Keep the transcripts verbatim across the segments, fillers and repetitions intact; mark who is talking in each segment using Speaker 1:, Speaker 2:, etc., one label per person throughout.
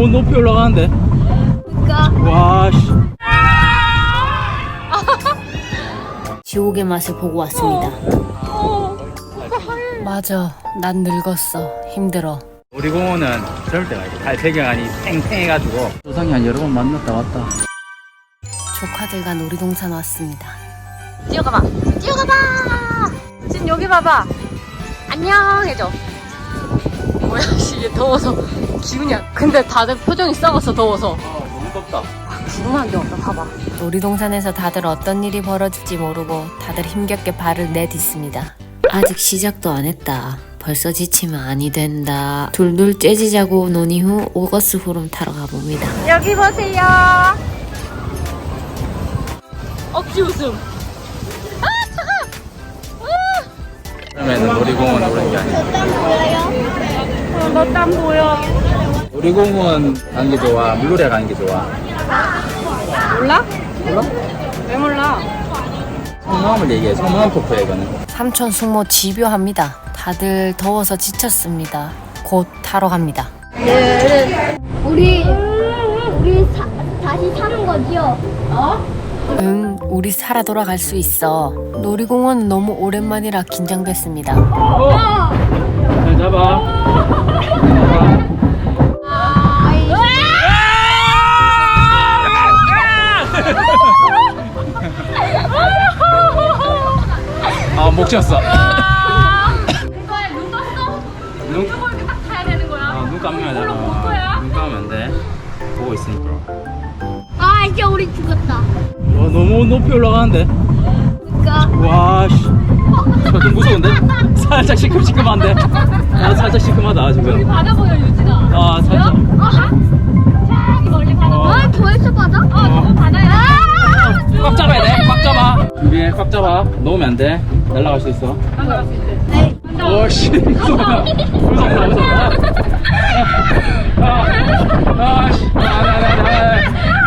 Speaker 1: 높이 올라가는데.
Speaker 2: 그니까.
Speaker 1: 와, 씨.
Speaker 3: 지옥의 맛을 보고 왔습니다.
Speaker 2: 어.
Speaker 3: 맞아, 난 늙었어. 힘들어.
Speaker 1: 놀이공원은 저럴 때가 있고 달 배경이 팽팽해가지고 조상이 한 여러 번 만났다 왔다.
Speaker 3: 조카들과 놀이동산 왔습니다.
Speaker 2: 뛰어가봐. 뛰어가봐. 지금 여기 봐봐. 안녕 해줘. 뭐야, 씨, 이게 더워서 기운이 안. 근데 다들 표정이 썩어서 더워서.
Speaker 1: 아, 너무 덥다.
Speaker 2: 궁금한 게 없다. 봐봐.
Speaker 3: 놀이동산에서 다들 어떤 일이 벌어질지 모르고 다들 힘겹게 발을 내딛습니다. 아직 시작도 안 했다. 벌써 지치면 아니 된다. 둘둘 째지자고 논의 후 오거스 후름 타러 가봅니다.
Speaker 2: 여기 보세요. 억지 웃음. 아, 차가.
Speaker 1: 그러면 놀이공원 오는 게 아니야.
Speaker 2: 어, 너 땀 보여.
Speaker 1: 놀이공원 가는 게 좋아? 물놀이 가는 게 좋아?
Speaker 2: 몰라?
Speaker 1: 몰라?
Speaker 2: 왜 몰라?
Speaker 1: 속마음을 얘기해. 속마음 토크야 이거는.
Speaker 3: 삼촌 숙모 집요합니다. 다들 더워서 지쳤습니다. 곧 타러 갑니다.
Speaker 4: 우리 우리 사, 다시 사는 거지요?
Speaker 3: 응, 우리 살아 돌아갈 수 있어. 놀이공원은 너무 오랜만이라 긴장됐습니다.
Speaker 1: 어! 잘 잡아. 잡아. 아, 목 쳤어.
Speaker 2: 이거야, 눈 떴어?
Speaker 1: 눈,
Speaker 2: 이거 이렇게 딱 타야 되는 거야.
Speaker 1: 아, 눈 감으면 돼.
Speaker 2: 물론 볼 거야.
Speaker 1: 눈 감으면 안 돼. 보고 있으니까.
Speaker 4: 아 이제 우리 죽었다.
Speaker 1: 와, 너무 높이 올라가는데.
Speaker 4: 그니까.
Speaker 1: 와, 씨. 저 좀 무서운데? 살짝 시큼시큼한데? 아, 살짝 시큼하다, 지금.
Speaker 2: 바다 보여, 유진아.
Speaker 1: 아, 살짝.
Speaker 2: 저기 멀리 바다
Speaker 1: 어.
Speaker 2: 보여.
Speaker 4: 아 벌써 받아?
Speaker 2: 어, 저거 바다야.
Speaker 1: 꽉 잡아야 돼. 꽉 잡아. 준비해. 꽉 잡아. 놓으면 안 돼. 날아갈 수 있어.
Speaker 2: 나갈 수 있대.
Speaker 4: 네.
Speaker 1: 오, 씨. 무섭다. 무섭다, 무섭다. 아, 아, 씨. 아, 나, 나, 나.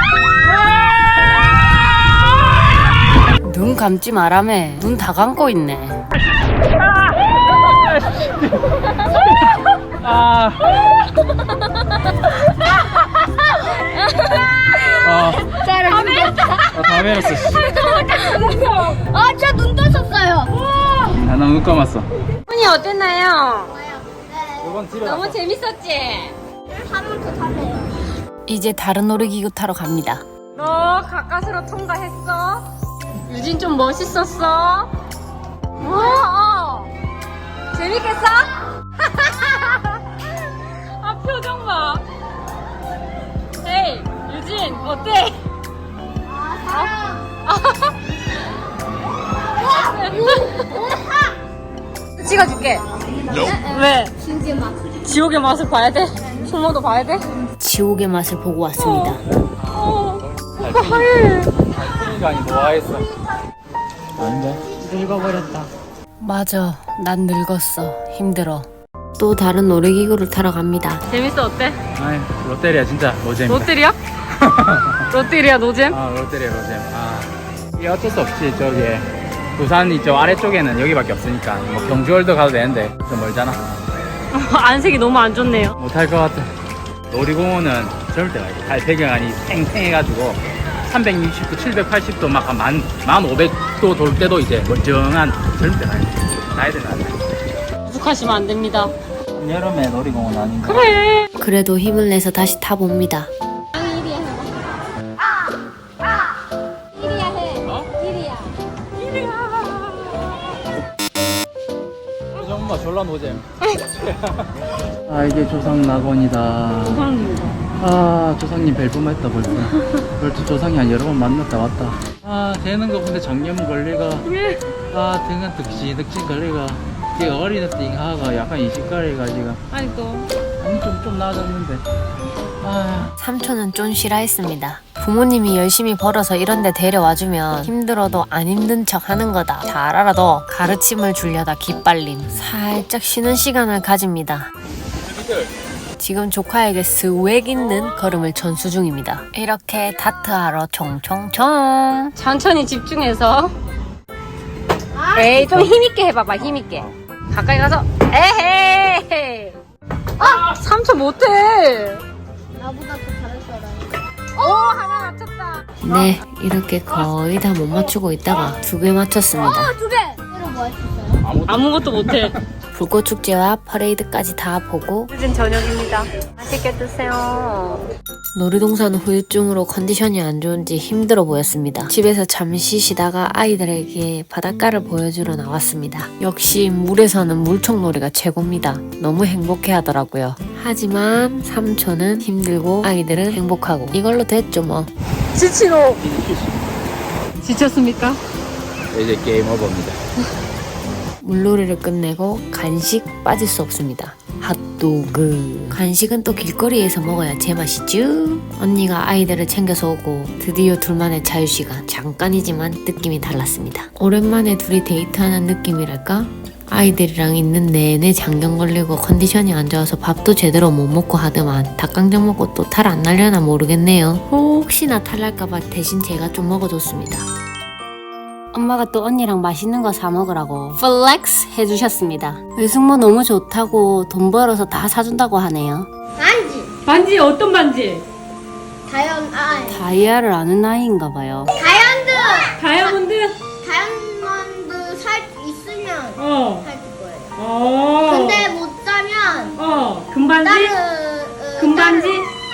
Speaker 3: 눈 감지 마라매. 눈 다 감고 있네.
Speaker 1: 아. 아,
Speaker 4: 다 밀었다.
Speaker 1: 아, 다 밀었어, 씨.
Speaker 4: 아저 눈 떴었어요.
Speaker 1: 아, 나눈 감았어.
Speaker 2: 훈이 어땠나요?
Speaker 1: 이번 뒤로
Speaker 2: 너무 재밌었지?
Speaker 4: 한 번 더 타세요.
Speaker 3: 이제 다른 놀이기구 타러 갑니다.
Speaker 2: 너 가까스로 통과했어? 유진 좀 멋있었어? 어, 어. 재밌겠어? 아, 표정 봐. 헤이, 유진, 어때? 찍어줄게. 왜?
Speaker 4: 진짜 막.
Speaker 2: 지옥의 맛을 봐야 돼? 숙모도 봐야 돼?
Speaker 3: 지옥의 맛을 보고 왔습니다.
Speaker 2: 어, 오빠 하얘.
Speaker 1: 시간이 노화했어. 아닌데?
Speaker 3: 늙어버렸다. 맞아, 난 늙었어. 힘들어. 또 다른 놀이기구를 타러 갑니다.
Speaker 2: 재밌어, 어때?
Speaker 1: 아이, 롯데리아 진짜 노잼이다.
Speaker 2: 롯데리아? 롯데리아 노잼?
Speaker 1: 아, 롯데리아 노잼. 아, 이게 어쩔 수 없지. 저기 부산 이쪽 아래쪽에는 여기밖에 없으니까 뭐 경주월드 가도 되는데 좀 멀잖아.
Speaker 2: 안색이 너무 안 좋네요.
Speaker 1: 못할 것 같아. 놀이공원은 저럴 때가 있고 달 배경이 팽팽해가지고 삼백육십 도, 칠백팔십 도 막 만, 만 오백 도 돌 때도 이제 멀쩡한 저럴 때가 있고 나이 들면 안 돼.
Speaker 2: 부족하시면 안 됩니다.
Speaker 1: 여름에 놀이공원 아닌가?
Speaker 2: 그래.
Speaker 3: 그래도 힘을 내서 다시 타봅니다.
Speaker 4: 이리야 해봐. 이리야 해.
Speaker 1: 어?
Speaker 4: 이리야.
Speaker 1: 정말 졸라 노잼. 아, 이게 조상 낙원이다.
Speaker 2: 조상님이다.
Speaker 1: 아, 조상님 벨뿜했다 벌써. 벌써 조상이 한 여러 번 만났다 왔다. 아, 되는 거 근데 정년 걸리가. 아, 등은 득신 득신 걸리가. 이게 어린애 띵하가 약간 이식거리가 지금.
Speaker 2: 아니 또.
Speaker 1: 아니 좀좀 나아졌는데. 아,
Speaker 3: 삼촌은 좀 싫어했습니다. 부모님이 열심히 벌어서 이런 데 데려와주면 힘들어도 안 힘든 척 하는 거다. 잘 알아도 가르침을 주려다 기빨림. 살짝 쉬는 시간을 가집니다. 지금 조카에게 스웩 있는 걸음을 전수 중입니다. 이렇게 다트하러 총총총.
Speaker 2: 천천히 집중해서. 에이, 좀 힘있게 해봐봐, 힘있게. 가까이 가서, 에헤이! 아! 삼촌 못해!
Speaker 4: 나보다
Speaker 3: 네, 이렇게 거의 다 못 맞추고 있다가 두 개 맞췄습니다.
Speaker 4: 두 개. 이거 뭐 했었어요?
Speaker 2: 아무것도 못해.
Speaker 3: 불꽃 축제와 퍼레이드까지 다 보고
Speaker 2: 늦은 저녁입니다. 맛있게 드세요.
Speaker 3: 놀이동산 후유증으로 컨디션이 안 좋은지 힘들어 보였습니다. 집에서 잠시 쉬다가 아이들에게 바닷가를 보여주러 나왔습니다. 역시 물에서는 물총놀이가 최고입니다. 너무 행복해 하더라고요. 하지만 삼촌은 힘들고 아이들은 행복하고 이걸로 됐죠 뭐.
Speaker 2: 지치로. 지쳤습니까?
Speaker 1: 이제 게임 오버입니다.
Speaker 3: 물놀이를 끝내고 간식 빠질 수 없습니다. 핫도그. 간식은 또 길거리에서 먹어야 제맛이죠. 언니가 아이들을 챙겨서 오고 드디어 둘만의 자유시간. 잠깐이지만 느낌이 달랐습니다. 오랜만에 둘이 데이트하는 느낌이랄까? 아이들이랑 있는 내내 장경 걸리고 컨디션이 안 좋아서 밥도 제대로 못 먹고 하더만 닭강정 먹고 또 탈 안 날려나 모르겠네요. 혹시나 탈 날까봐 대신 제가 좀 먹어줬습니다. 엄마가 또 언니랑 맛있는 거 사 먹으라고 플렉스 해주셨습니다. 외숙모 너무 좋다고 돈 벌어서 다 사준다고 하네요.
Speaker 4: 반지.
Speaker 2: 반지 어떤 반지?
Speaker 4: 다이언 아
Speaker 3: 다이아를 아는 나이인가 봐요.
Speaker 4: 다이언드.
Speaker 2: 다이아몬드?
Speaker 4: 다이아몬드 살 있으면
Speaker 2: 어.
Speaker 4: 살 거예요.
Speaker 2: 어.
Speaker 4: 근데 못 사면
Speaker 2: 어. 금반지?
Speaker 4: 다른 어,
Speaker 2: 금반지?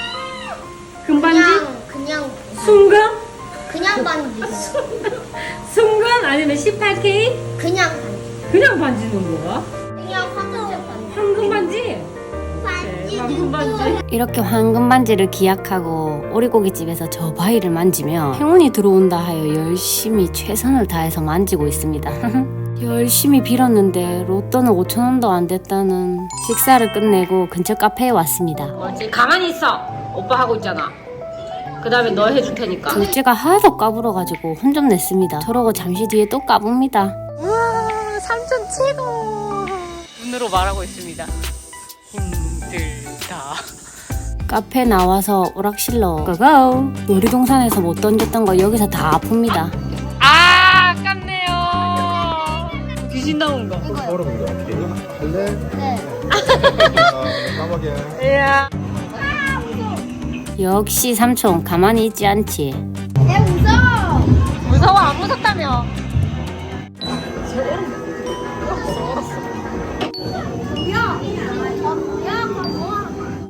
Speaker 2: 금반지?
Speaker 4: 그냥 그냥
Speaker 2: 순금?
Speaker 4: 그냥 반지.
Speaker 2: 순금 아니면 십팔 케이?
Speaker 4: 그냥 반지.
Speaker 2: 그냥 반지는 뭐야?
Speaker 4: 그냥 황금색 반지.
Speaker 2: 황금 반지?
Speaker 4: 반지.
Speaker 2: 황금 반지.
Speaker 3: 이렇게 황금 반지를 기약하고 오리고기집에서 저 바위를 만지며 행운이 들어온다 하여 열심히 최선을 다해서 만지고 있습니다. 열심히 빌었는데 로또는 오천 원도 안 됐다는. 식사를 끝내고 근처 카페에 왔습니다.
Speaker 2: 뭐지? 가만히 있어. 오빠 하고 있잖아. 그 다음에 너 해줄 테니까.
Speaker 3: 둘째가 하도 까불어가지고 혼 좀 냈습니다. 저러고 잠시 뒤에 또 까봅니다.
Speaker 2: 우와, 삼촌 최고. 눈으로 말하고 있습니다. 힘들다.
Speaker 3: 카페 나와서 오락실로 고고. 놀이동산에서 못 던졌던 거 여기서 다 아픕니다.
Speaker 2: 아, 아깝네요. 귀신 나온 거.
Speaker 4: 네.
Speaker 2: 이야.
Speaker 3: 역시 삼촌 가만히 있지 않지.
Speaker 4: 내 무서워.
Speaker 2: 무서워, 안 무섭다며.
Speaker 4: 야, 저, 야, 뭐야?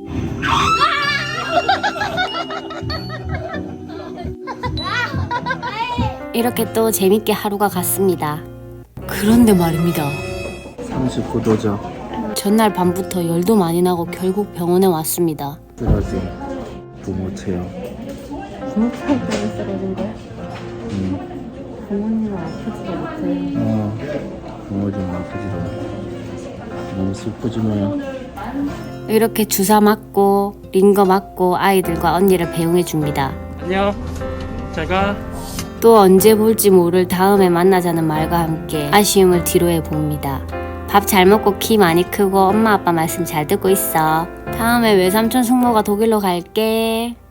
Speaker 3: 이렇게 또 재밌게 하루가 갔습니다. 그런데 말입니다.
Speaker 1: 삼십구 도죠.
Speaker 3: 전날 밤부터 열도 많이 나고 결국 병원에 왔습니다.
Speaker 1: 쓰러진 부모 체험.
Speaker 3: 부모 때문에 쓰러진 거야?
Speaker 1: 음.
Speaker 3: 부모님은 아프지도 못해.
Speaker 1: 어. 부모 좀 아프지도 않고. 너무 슬프지 뭐야.
Speaker 3: 이렇게 주사 맞고 링거 맞고 아이들과 언니를 배웅해 줍니다.
Speaker 1: 안녕. 잘가.
Speaker 3: 또 언제 볼지 모를 다음에 만나자는 말과 함께 아쉬움을 뒤로해 봅니다. 밥 잘 먹고 키 많이 크고 엄마 아빠 말씀 잘 듣고 있어. 다음에 외삼촌 숙모가 독일로 갈게.